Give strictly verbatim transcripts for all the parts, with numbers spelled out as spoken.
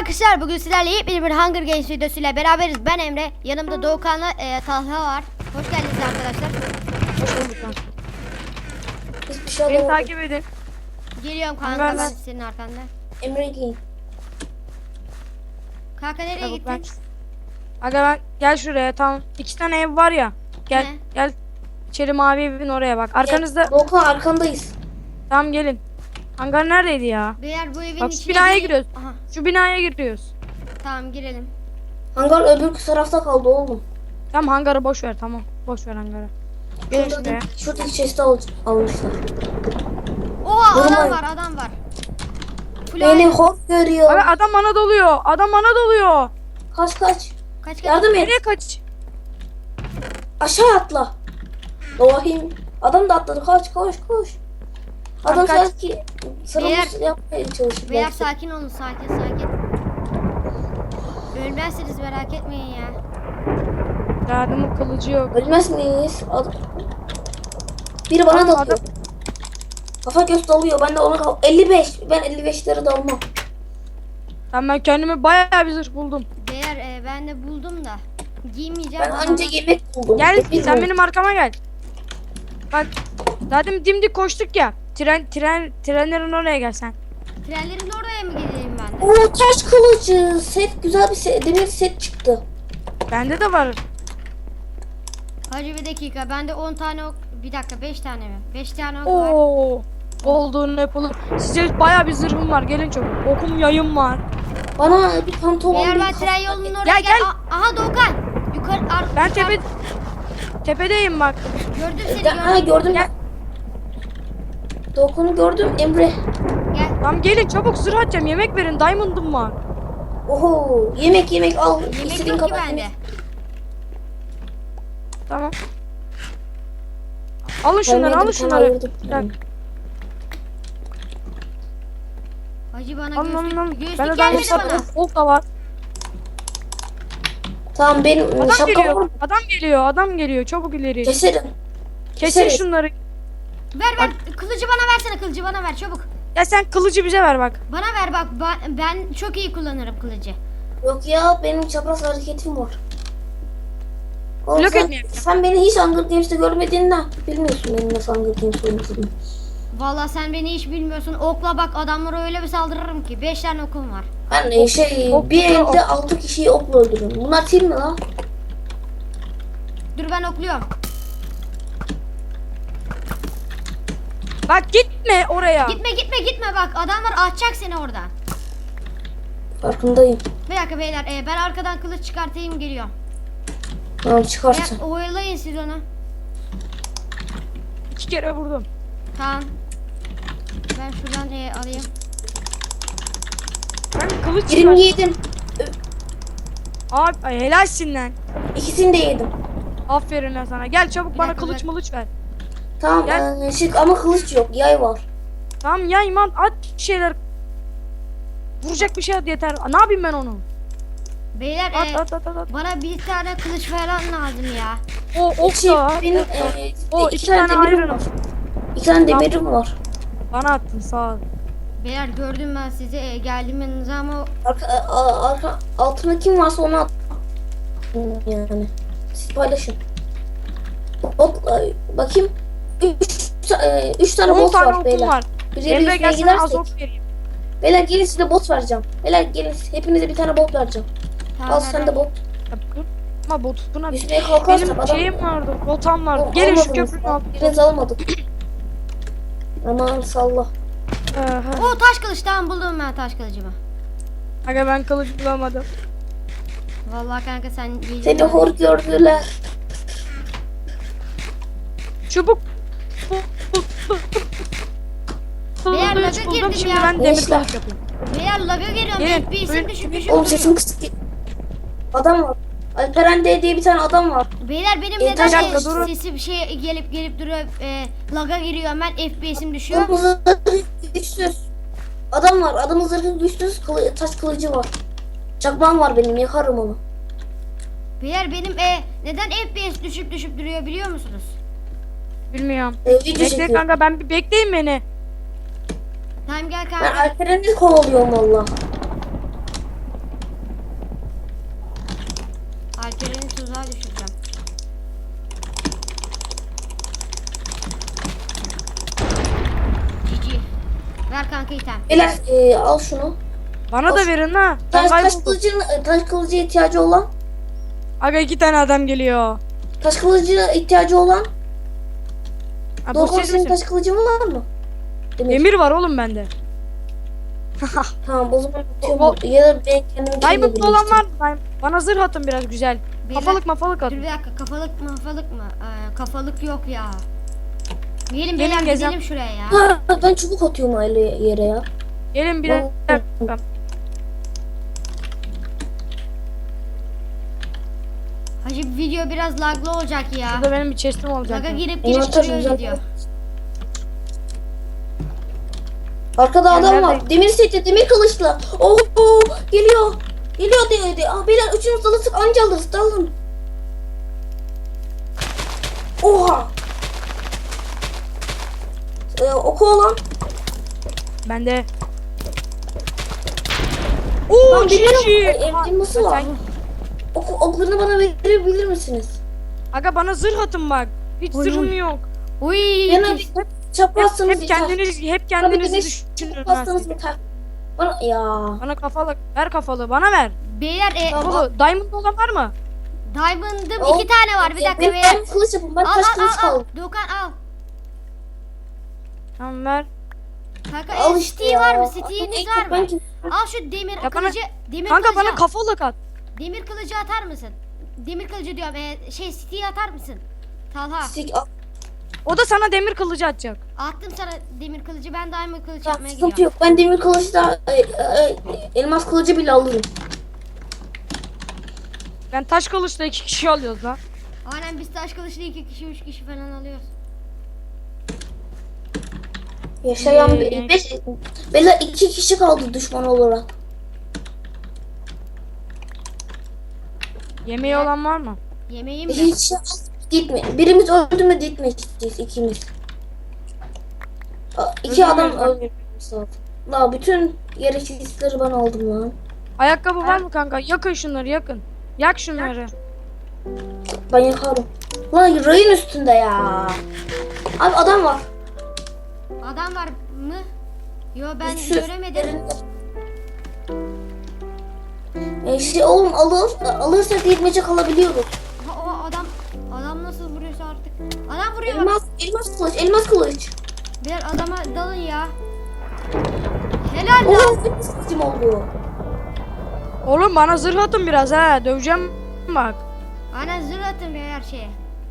arkadaşlar, bugün sizlerle yepyeni bir Hunger Games videosuyla beraberiz. Ben Emre, yanımda Doğukan'la e, Talha var. Hoş geldiniz arkadaşlar. Hoş bulduk lan. Hiçbir şey Beni alamadım. takip edin. Geliyorum kanka, Ben- ben senin arkanda. Emre'yim. Kanka nereye Çabuk gittin? ben. Aga ben gel şuraya, tamam. İki tane ev var ya. Gel Ne? gel. İçeri mavi evin oraya bak. Arkanızda. Doğukan arkandayız. Tamam gelin. Hangar neredeydi ya? Beyler bu evin Bak şu içine binaya gireyim. giriyoruz. Aha, Şu binaya giriyoruz. tamam girelim. Hangar öbür tarafta kaldı oğlum. Tamam hangarı boş ver, tamam. Boş ver hangarı. Gelin Şurada, şuraya. şuradaki chest'i al, almışlar. Oha, adam Durmayın. var adam var. Full Beni aile. hor görüyor. Aga adam bana doluyor. Adam bana doluyor. Kaç kaç. Kaç kaç. Yardım et. Nereye kaç? Aşağı atla. Doğayım. Adam da atladı. Kaç koş koş. Adam kaç. sanki sıramız yapmaya çalışıyor. Beyler belki. sakin olun, sakin sakin. Ölmezsiniz, merak etmeyin ya. Adamın kılıcı yok. Ölmez miyiz? Ad- Biri bana Adam- dalıyor. Kafa göz dalıyor. Ben de ona kal. elli beş. Ben elli beşlere dalmam. Tamam ben kendime bayağı bir zırh buldum. Beyler e, ben de buldum da. Giymeyeceğim. Ben ama- anca yemek buldum. Gel Bilmiyorum. sen benim arkama gel. Bak zaten dimdik koştuk ya. Tren tren trenlerin oraya gel sen. Trenlerin oraya mı geleyim ben de? Oo, taş kılıcı. Set güzel bir set. Demir set çıktı. Bende de var. Hacı bir dakika, bende on tane ok, bir dakika beş tane mi? beş tane ok var. Oo. Olduğunu yapalım. Size bayağı bir zırhım var. Gelin çabuk. Okum yayım var. Bana bir pantolon. Eğer bir ben kafa- tren yolunun oraya Gel, gel. gel. A- Aha Doğukan. Yukarı ar- Ben yukarı- tepe tepedeyim bak. Gördüm seni, Ya, ha, gördüm. gördüm. Gel. Dokunu gördüm Emre. Gel. Tamam gelin çabuk zırh atacağım. Yemek verin. Diamond'ım var. Oho, yemek yemek al. Yemek İstediğin yok ki kadar bende. yemek. Tamam. Alın şunları, Ben alın yedim, sana şunları. ayırdım. Bak, Hacı bana alın alın alın. göğüslük, göğüslük Bende gelmedi diamond bana. var. Gold da var. Tamam benim Adam şapkam var geliyor. mı? Adam geliyor. Adam geliyor. Çabuk ileri. Keserim. Kesin keseriz. şunları. Ver ver, kılıcı bana versene, kılıcı bana ver çabuk. Ya sen kılıcı bize ver bak. Bana ver bak, ben, ben çok iyi kullanırım kılıcı. Yok ya benim çapraz hareketim var. Oğlum Blok sen, etmeyeyim. sen beni hiç Hunger Games'te görmediğinden bilmiyorsun benim nasıl Hunger Games oynadığımı. Vallahi sen beni hiç bilmiyorsun. Okla bak, adamlara öyle bir saldırırım ki. beş tane okum var. Ben e, şey Ok- bir ok- elde altı kişiyi okla öldürürüm. Bunlar tim mi lan? Dur ben okluyorum. Bak gitme oraya. Gitme gitme gitme bak, adamlar atacak seni oradan. Farkındayım. Bir dakika beyler, e, ben arkadan kılıç çıkartayım, geliyorum. Tamam çıkarsın. Beyler, oyalayın siz onu. İki kere vurdum. Tamam. Ben şuradan e, alayım. Ben kılıç Birini çıkar. yedim. Abi ay, helalsin lan. İkisini de yedim. Aferin lan sana. Gel çabuk Bir bana dakika, kılıç ben- mılıç ver. Tamam Gel. e, şey, ama kılıç yok. Yay var. Tamam ya iman at bir şeyler. Vuracak bir şey at yeter. Ne yapayım ben onu? Beyler At e, at at at. at. bana bir tane kılıç falan lazım ya. O ok Şey, da at. benim ok da. e, O iki, iki tane, tane demirim iron. var. İki tane Tamam. demirim var. Bana attın sağ ol. Beyler gördüm ben sizi, e, geldim yanınıza ama Arka, a- arka, altında kim varsa onu at. Yani. Siz paylaşın. Bot, e, bakayım. Üç, e, üç tane on bot tane var okum beyler. var. Bir yere Emre yüzmeye gelsene az gidersek. ok vereyim. Beyler gelin size bot vereceğim. Beyler gelin hepinize bir tane bot vereceğim. tamam, Al ver, sen ver. de bot. Ya, dur. Ama botuna Yüzmeye kalkarsak benim adam... şeyim vardı. Botam vardı. O- Gelin şu almadınız. köprünün altına. Biraz almadık. Aman salla. Aha. O taş kılıç, tamam buldum ben taş kılıcımı. Aga ben kılıç bulamadım. Vallahi kanka sen iyi. Seni hor gördüler. Çubuk. Beyler, Kılıç laga buldum. girdim Şimdi ya. ben demir Gençler. kılıç yapayım. Beyler laga geliyorum. Gelin, F P S'im buyurun. düşük düşük Oğlum duruyor. sesim kısık. Adam var. Alperen D diye bir tane adam var. Beyler benim E, neden bir dakika, e, durun. sesi bir şey gelip gelip duruyor. E, laga giriyor hemen, F P S'im düşüyor. Adamın zırhı güçsüz. Adam var. Adamın zırhı güçsüz. Kılı, taş kılıcı var. Çakmağım var benim. Yakarım onu. Beyler benim e, neden F P S düşüp düşüp duruyor biliyor musunuz? Bilmiyorum. Ee, video Bekle çekiyorum. kanka ben bir bekleyin beni. Tamam gel Ben kanka. Alperen'i kovalıyorum valla. Alperen'i tuzağa düşüreceğim. Cici. Ver kanka item. Beyler e, al şunu. Bana da verin ha. Ben Taş, taş kayboldum. kılıcın e, taş kılıcı ihtiyacı olan. Aga iki tane adam geliyor. Taş kılıcı ihtiyacı olan. Ha, bu Doğukan siz senin misiniz? taş kılıcın var mı? Demir. Demir var oğlum bende. Tamam o zaman O- atıyorum. Ya da ben kendim Diamond'lı olan var mı? Diamond- Bana zırh atın biraz güzel. Bir Kafalık mafalık Dur atın. bir dakika, kafalık mı kafalık mı? Ee, kafalık yok ya. Gelin Gelin beyler, gezem- gidelim şuraya ya. Ha, ben çubuk atıyorum aile yere ya. Gelin bir dakika. Hacı video biraz laglı olacak ya. Burada benim bir chest'im olacak. Laga ya. girip Benim girip taş duruyor güzel. video. Arkada Ya adam nerede? var. Demir seti, demir kılıçlı. Oh, oh geliyor. Geliyor diyor. diyor. Ah beyler üçünüz dalırsak anca alırız. Dalın. Oha. Ee, oku olan. Bende. Oo Lan demir cici. elması var. Sen- Oku, oklarını bana verebilir misiniz? Aga bana zırh atın bak. Hiç Oy, zırhım oy. yok. Uy. Bana Hep- bir Hep, çaprazsanız hep yeter. kendiniz hep Bana bir kendinizi demir düşünün. çaprazsanız ha. yeter. Bana ya. Bana kafalık. Ver kafalığı. Bana ver. Beyler e, Tamam. Bu diamond olan var mı? Diamond'ım O- iki tane var. Bir dakika Benim beyler. ben kılıç yapın. Ben Al taş al kılıç al al. kaldım. Doğukan al. Tamam ver. Kanka Al e, işte Steve ya. var mı? Al, Steve'iniz al, var mı? ben kim- Al şu demir bana- kılıcı. Demir Kanka kılıcı. bana al. kafalık at. Demir kılıcı atar mısın? Demir kılıcı diyorum. E, şey Steve atar mısın? Talha. Sik- al. O da sana demir kılıcı atacak. Attım sana demir kılıcı. Ben diamond kılıcı Tamam, yapmaya sıkıntı gidiyorum. yok. Ben demir kılıçla e, e, elmas kılıcı bile alırım. Ben taş kılıçla iki kişi alıyoruz lan. Aynen biz taş kılıçlı iki kişi üç kişi falan alıyoruz. Yaşayan Ee, bir beş, beyler iki kişi kaldı düşman olarak. Yemeği olan var mı? Yemeğim mi? Hiç gitme. Birimiz öldü mü gitmeyeceğiz ikimiz. A- İki Öldü mü? adam öldürmemiz lazım. La bütün gereksizleri ben aldım lan. Ayakkabı var mı kanka? Yakın şunları yakın. Yak şunları. Ben yakarım. Lan rayın üstünde ya. Abi adam var. Adam var mı? Yo ben Üçü. göremedim. E şey oğlum alır, alırsak yetmece kalabiliyoruz. Aha, o adam adam nasıl vuruyorsa artık. Adam vuruyor. Elmas, elmas kılıç, elmas kılıç. Bir adama dalın ya. Helal lan. Oo, benim sesim oldu. Oğlum bana zırh atın biraz ha. Döveceğim bak. Aynen zırh atın be her şeye.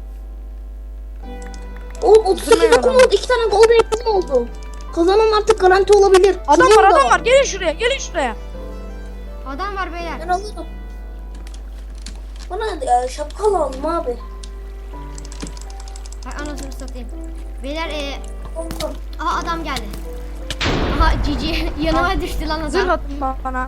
Oğlum otuz sekiz Zırhlı okum adam. oldu, iki tane golden apple oldu. Kazanan artık garanti olabilir. Adam Kızım var da adam var. Gelin şuraya gelin şuraya. Adam var beyler. Ben alırım. Bana e, şapka lazım abi. Hay anasını satayım. Beyler e, aha adam geldi. Aha cici yanıma düştü lan Zırh adam. atın ba- bana.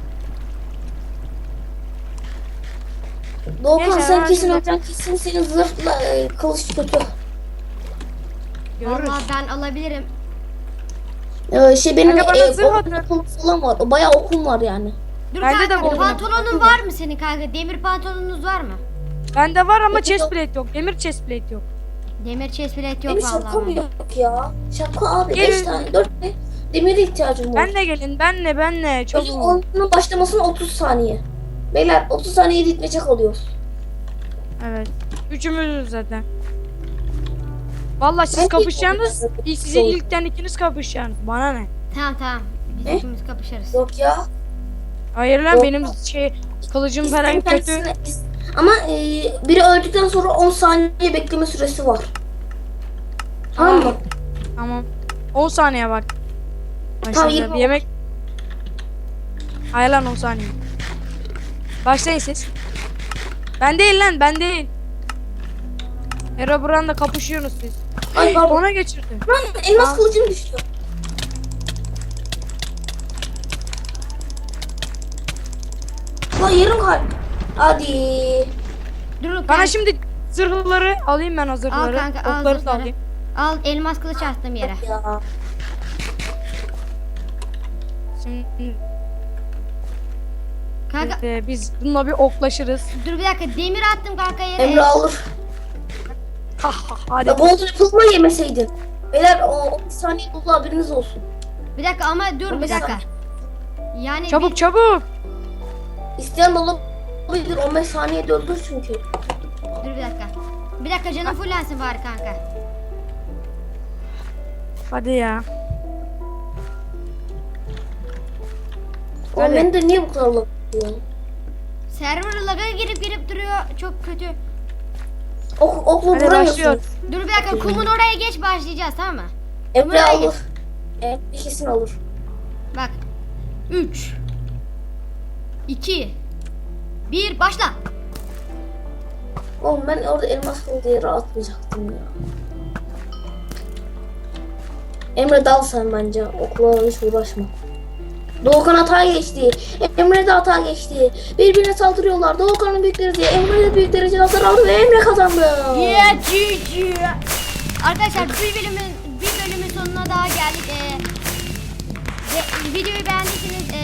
Doğukan Neyse, sen ben kesin şimdi- öleceksin, kesin senin zırhla e, kılıç kötü. Görürüz. Vallahi ben alabilirim. Ee, şey benim Kanka bana e, zırh golden atın. apple falan var. O bayağı okum var yani. Dur Bende de kanka bu- pantolonun var mı senin kanka? Demir pantolonunuz var mı? Bende var ama Yok, chest yok. plate yok. Demir chest plate yok. Demir chest plate yok Benim şapkam vallahi. yok ya. Şapka abi Gelin. beş tane, dört tane demire ihtiyacım var. Benle gelin benle benle. Oyun Çabuk. onun başlamasına otuz saniye. Beyler otuz saniye gitmece kalıyoruz. Evet. Üçümüzüz zaten. Vallahi siz Ben kapışacaksınız. ilk- İlk size ilkten ikiniz kapışacaksınız. Bana ne? Tamam tamam. Biz Ne? ikimiz kapışırız. Yok ya. Hayır lan Yok. benim şey kılıcım falan İsteyen kötü. kendisine- is- Ama e, biri öldükten sonra on saniye bekleme süresi var. Tamam mı? Tamam. on saniye bak. Tamam, Başlayacağım. yirmi- Yemek. Hayır lan on saniye. Başlayın siz. Ben değil lan ben değil. Herobrine'la kapışıyorsunuz siz. Ay pardon. Ona geçirdi. Lan elmas Aa. kılıcım düştü. Lan yarım kalp. Hadi. Dur Bana kanka. şimdi zırhları alayım ben o zırhları. kanka, al Okları da zırhları. alayım. Al elmas kılıç attım yere. Ya. Şimdi Kanka Kanka Ee, biz bununla bir oklaşırız. dur bir dakika, demir attım kanka yere. Emre alır. Ha ha hadi. Ya Bolt yapılma yemeseydin. Beyler o on saniye dolu haberiniz olsun. Bir dakika ama dur bir on beş dakika. saniye. Yani Çabuk bir- çabuk. İsteyen dolu olabilir. on beş saniyede öldür çünkü. dur bir dakika. Bir dakika canım fullensin bari kanka. Hadi ya. Ama Hadi. ben de niye bu kadar laf yapıyor? Server lag'a girip girip duruyor. Çok kötü. Ok, okla Hadi vuramıyorsunuz. başlıyor. Dur bir dakika, kumun oraya geç, başlayacağız tamam mı? Emre Buraya alır. Evet kesin alır. Bak. üç iki bir başla. Oğlum ben orada elmas olduğu yere atmayacaktım ya. Emre dal sen bence. Okula hiç uğraşma. Doğukan hata geçti. Emre de hata geçti. Birbirine saldırıyorlar. Doğukan'ın büyükleri diye. Emre de büyük derecede hasar aldı ve Emre kazandı. Yeah, G G. Arkadaşlar bir bölümün bir bölümün sonuna daha geldik. Ee, ve videoyu beğendiyseniz e,